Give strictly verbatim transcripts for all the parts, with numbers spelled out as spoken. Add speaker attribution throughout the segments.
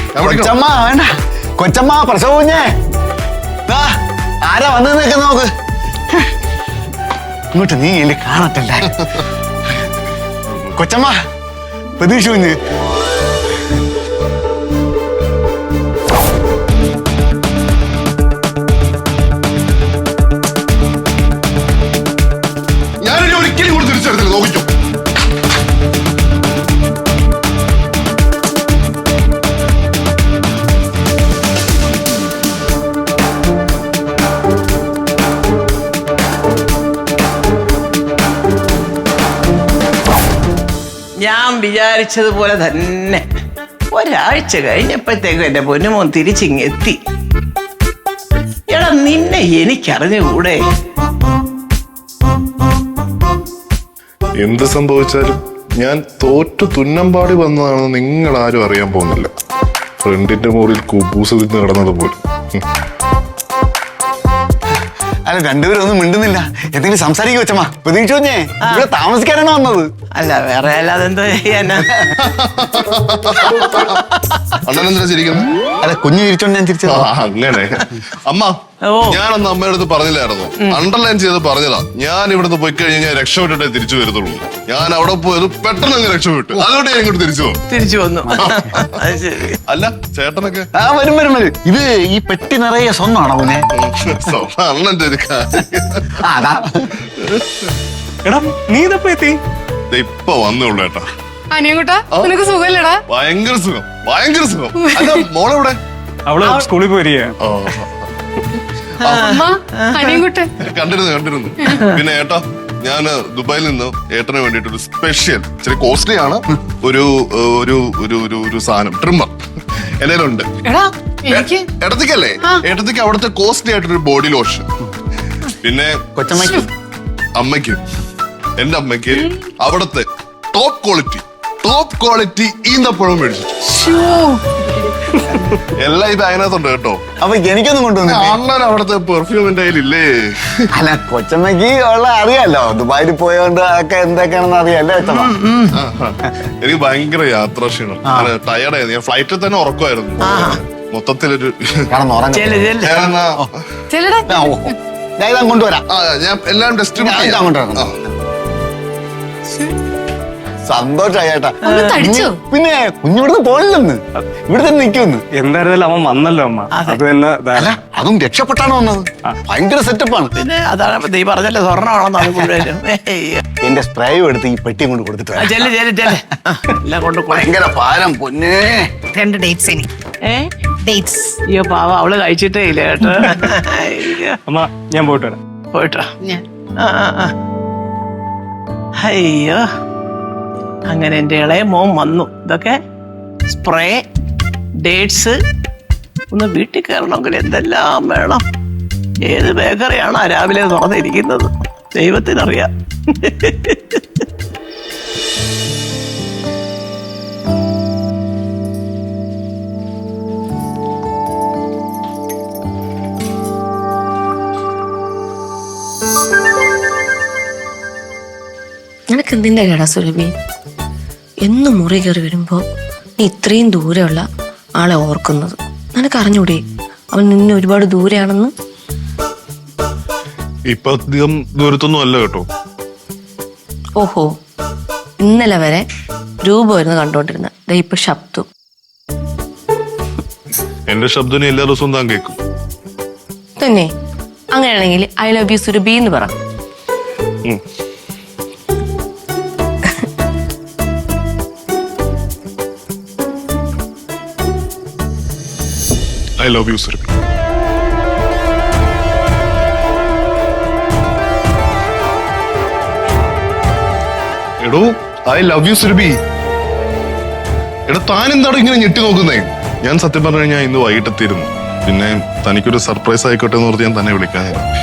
Speaker 1: കൊച്ചമ്മ വേണ്ട, കൊച്ചമ്മ പ്രസവ കുഞ്ഞേ, ആരാ വന്നതെന്നൊക്കെ നോക്ക്. ഇങ്ങോട്ട് നീ എന്നെ കാണത്തില്ല. കൊച്ചമ്മ പ്രതീക്ഷ കുഞ്ഞ്.
Speaker 2: ഞാനിനി ഒരിക്കലും കൂടി തിരിച്ചെടുത്തില്ല, നോക്കിക്കോ.
Speaker 3: ഞാൻ വിചാരിച്ചതുപോലെ തന്നെ ഒരാഴ്ച കഴിഞ്ഞപ്പോഴത്തേക്കും എന്റെ പൊന്നുമോൻ തിരിച്ചിങ്ങെത്തി. എടാ നിന്നെ എനിക്കറിഞ്ഞുകൂടെ?
Speaker 2: എന്ത് സംഭവിച്ചാലും ഞാൻ തോറ്റു തുന്നമ്പാടി വന്നതാണെന്ന് നിങ്ങൾ ആരും അറിയാൻ പോകുന്നില്ല. ഫ്രണ്ടിന്റെ മുറിയിൽ കുബൂസ് തിന്ന് കിടന്നത് പോലും.
Speaker 1: അല്ല, രണ്ടുപേരും ഒന്നും മിണ്ടുന്നില്ല. എന്തെങ്കിലും സംസാരിക്കും കൊച്ചമ്മ. പ്രതീക്ഷ കുഞ്ഞേ ഇവിടെ താമസിക്കാനാണ് വന്നത്.
Speaker 3: അല്ല, വേറെ അല്ലാതെ എന്തോ ചെയ്യാനാ?
Speaker 2: അണ്ണനെന്തിനാ ചിരിക്കുന്നത്?
Speaker 1: അല്ല, കുഞ്ഞു ചിരിച്ചോണ്ട് ഞാൻ ചിരിച്ചത്.
Speaker 2: അങ്ങനെ അമ്മ, ഞാനന്ന് അമ്മയുടെ അടുത്ത് പറഞ്ഞില്ലായിരുന്നു, അണ്ടർലൈൻ ചെയ്ത് പറഞ്ഞതാ. ഞാൻ ഇവിടുന്ന് പോയി കഴിഞ്ഞാൽ ഞാൻ രക്ഷപ്പെട്ടിട്ടേ തിരിച്ചു വരത്തുള്ളൂ. ഞാൻ അവിടെ പോയത് പെട്ടെന്ന് അങ്ങ് രക്ഷപ്പെട്ടു. അതുകൊണ്ട് ഞാൻ ഇങ്ങോട്ട് തിരിച്ചു വന്നു.
Speaker 3: തിരിച്ചു വന്നു.
Speaker 2: അല്ല, ചേട്ടനൊക്കെ
Speaker 1: ആ വരും വരും വരും. ഇത് ഈ പെട്ടി നിറയെ സ്വന്തമാണോ മോനെ?
Speaker 2: അണ്ണന്റെ ഒരു
Speaker 1: അതാ.
Speaker 4: എടാ നീ ഇതപ്പോ എത്തി?
Speaker 2: ഇപ്പൊ വന്നുള്ളൂ ഏട്ടാ.
Speaker 5: അനിയൻകുട്ടാ, നിനക്ക് സുഖല്ലേടാ?
Speaker 2: ഭയങ്കര സുഖം, ഭയങ്കര സുഖം. അല്ല, മോളെവിടെ?
Speaker 4: അവള് സ്കൂളിൽ പോയിരിക്കുക.
Speaker 5: അമ്മ, അനിയൻകുട്ടൻ
Speaker 2: കണ്ടിരുന്നു കണ്ടിരുന്നു പിന്നെ ഏട്ടാ, ഞാന് ദുബായിൽ നിന്ന് ഏട്ടന് വേണ്ടിട്ട് ഒരു സ്പെഷ്യൽ, ഇച്ചിരി കോസ്റ്റ്ലി ആണ്, ഒരു ഒരു ഒരു ഒരു ഒരു സാധനം, ട്രിമ്മർ എന്റെ കയ്യിലുണ്ട്.
Speaker 5: എടാ എനിക്ക്
Speaker 2: ഏട്ടത്തിക്കല്ലേ? ഏട്ടത്തിക്ക് അവിടുത്തെ കോസ്റ്റ്ലി ആയിട്ടൊരു ബോഡി ലോഷൻ. പിന്നെ
Speaker 1: കൊച്ചമ്മയ്ക്ക്
Speaker 2: അമ്മയ്ക്ക്, എന്റെ അമ്മയ്ക്ക് അവിടുത്തെ ടോപ്പ് ക്വാളിറ്റി ടോപ്പ് ക്വാളിറ്റി ഈന്തപ്പഴം മേടിച്ചു. എല്ലാം ഇത് അതിനകത്തുണ്ട് കേട്ടോ.
Speaker 1: അപ്പൊ എനിക്കൊന്നും കൊണ്ടുവന്നില്ല.
Speaker 2: അണ്ണൻ അവിടുത്തെ പെർഫ്യൂമിന്റെ കയ്യിലില്ലേ?
Speaker 1: അല്ല, കൊച്ചമ്മയ്ക്ക് ഉള്ള അറിയാലോ, ദുബായിൽ പോയോണ്ട് അതൊക്കെ എന്തൊക്കെയാണെന്ന് അറിയാലോ കൊച്ചമ്മ.
Speaker 2: എനിക്ക് ഭയങ്കര യാത്രാ ക്ഷീണം, ടയർഡായിരുന്നു. ഞാൻ ഫ്ലൈറ്റിൽ തന്നെ ഉറക്കമായിരുന്നു. മൊത്തത്തിലൊരു
Speaker 5: ചെല്ലടാ,
Speaker 1: ഞാൻ കൊണ്ടുവരാം.
Speaker 2: ഞാൻ എല്ലാം ടെസ്റ്റ്
Speaker 1: സന്തോഷായി ചേട്ടാ.
Speaker 5: തടിച്ചോ?
Speaker 1: പിന്നെ കുഞ്ഞിവിടുന്ന് പോണില്ലെന്ന്, ഇവിടെ തന്നെ നിൽക്കുമെന്ന്.
Speaker 4: എന്തായിരുന്നാലും അവൻ വന്നല്ലോ അമ്മ. അത് തന്നെ
Speaker 1: അല്ല, അതും രക്ഷപ്പെട്ടാണ് വന്നത്. ഭയങ്കര സെറ്റപ്പാണ്.
Speaker 3: പിന്നെ അതാണ് നീ പറഞ്ഞല്ലേ, സ്വർണ്ണമാണെന്ന് അത് മുഴുവനും.
Speaker 1: എന്റെ സ്പ്രേയും എടുത്ത് ഈ പെട്ടിയും കൊണ്ട് കൊടുത്തിട്ട് വരാം.
Speaker 3: ചെല്ല് ചെല്ല് ചെല്ല്. എല്ലാം കൊണ്ട്
Speaker 1: ഭയങ്കര ഭാരം പൊന്നേ.
Speaker 5: രണ്ട് ഡേറ്റ്സ് എനിക്ക്.
Speaker 3: ഏ
Speaker 5: ഡേറ്റ്സ്.
Speaker 3: അയ്യോ പാവ, അവള് കഴിച്ചിട്ടേ ഇല്ല കേട്ടോ.
Speaker 4: അമ്മ, ഞാൻ പോയിട്ട് വരാം.
Speaker 3: പോയിട്ടോ. ആ ആ ആ. അയ്യോ, അങ്ങനെ എൻ്റെ ഇളയ മോൻ വന്നു. ഇതൊക്കെ സ്പ്രേ, ഡേറ്റ്സ്. ഒന്ന് വീട്ടിൽ കയറണമെങ്കിൽ എന്തെല്ലാം വേണം. ഏത് ബേക്കറിയാണോ രാവിലെ തുറന്നിരിക്കുന്നത് ദൈവത്തിനറിയാം.
Speaker 6: നിനക്ക് എന്തിൻ്റെ കേടാ സുരഭി? എന്നും മുറി കയറി വരുമ്പോ നീ ഇത്രയും ദൂരെയുള്ള ആളെ ഓർക്കുന്നത്? നിനക്ക് അറിഞ്ഞൂടെ അവൻ നിന്നെ ഒരുപാട് ദൂരെയാണെന്ന്?
Speaker 2: ഇപ്പൊ അധികം ദൂരത്തൊന്നും അല്ല കേട്ടോ.
Speaker 6: ഓഹോ, ഇന്നലെ വരെ രൂപമായിരുന്നു കണ്ടോണ്ടിരുന്ന, ഇപ്പൊ ശബ്ദം.
Speaker 2: എന്റെ ശബ്ദം എല്ലാ ദിവസവും താൻ കേൾക്കും
Speaker 6: തന്നെ. അങ്ങനെയാണെങ്കിൽ ഐ ലവ് യു സുരഭി എന്ന് പറ.
Speaker 2: I love you, Surbhi. എടോ, ഐ ലവ് യു സുരഭി. എടാ, താൻ എന്താണ് ഇങ്ങനെ ഞെട്ടി നോക്കുന്നേ? ഞാൻ സത്യം പറഞ്ഞു കഴിഞ്ഞാൽ ഇന്ന് വൈകിട്ട് എത്തിയിരുന്നു. പിന്നെ തനിക്കൊരു സർപ്രൈസ് ആയിക്കോട്ടെ എന്ന് ഓർത്ത് ഞാൻ തന്നെ വിളിക്കാൻ.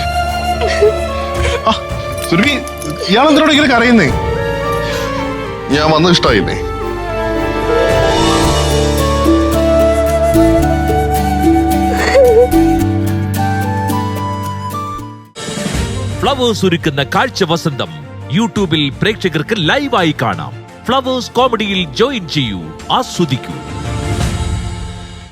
Speaker 2: സുരഭി, ഇയാളെന്തിനോട് ഇങ്ങനെ കരയുന്നേ? ഞാൻ വന്നത് ഇഷ്ടമായില്ലേ?
Speaker 7: ഫ്ലവേഴ്സ് ഒരുക്കുന്ന കാഴ്ച വസന്തം യൂട്യൂബിൽ പ്രേക്ഷകർക്ക് ലൈവായി കാണാം. ഫ്ലവേഴ്സ് കോമഡിയിൽ ജോയിൻ ചെയ്യൂ, ആസ്വദിക്കൂ.